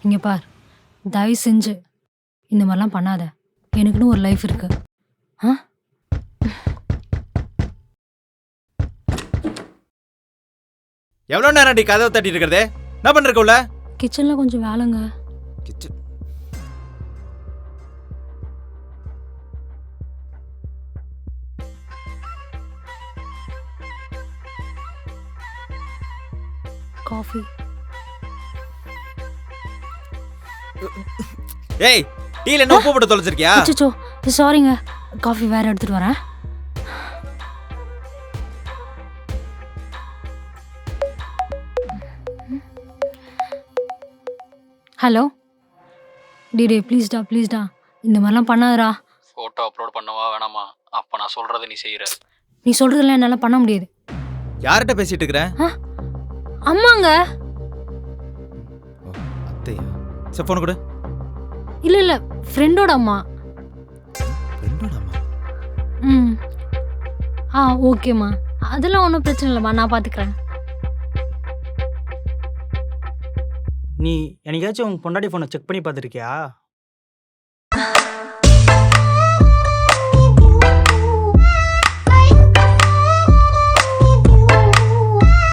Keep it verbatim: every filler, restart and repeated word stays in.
இங்கே பார், தயவு செஞ்சு இந்த மாதிரிலாம் பண்ணாத. எனக்குன்னு ஒரு லைஃப் இருக்கு. ஆ எவ்வளோ நேரம் அடி கதவை தட்டிட்டு இருக்கிறதே? என்ன பண்ணிருக்கோல? கிச்சனில் கொஞ்சம் வேலைங்க. Kitchen coffee. ஏய், டீல என்ன உப்பு போட்டு தொலைச்சிருக்கியா? அச்சோ சாரிங்க, காஃபி வேற எடுத்துட்டு வரேன். ஹலோ டிடே, ப்ளீஸ்டா ப்ளீஸ்டா இந்த மாதிரிலாம் பண்ணாதடா. ஃபோட்டோ அப்லோட் பண்ணவா வேணாமா? அப்போ நான் சொல்கிறத நீ செய்கிற. நீ சொல்கிறதெல்லாம் என்னால் பண்ண முடியாது. யார்கிட்ட பேசிட்டு இருக்கிற? ஆ அம்மாங்க. ஓ, அத்தையா? சரி, ஃபோன் கொடு. இல்லை இல்லை, ஃப்ரெண்டோட அம்மா. ஃப்ரெண்டோட அம்மா? ம் ஆ ஓகேம்மா, அதெல்லாம் ஒன்றும் பிரச்சனை இல்லைம்மா, நான் பார்த்துக்கிறேன். நீ என்னைக்காச்சும் உன் பொண்டாட்டி ஃபோனை செக் பண்ணி பார்த்துருக்கியா?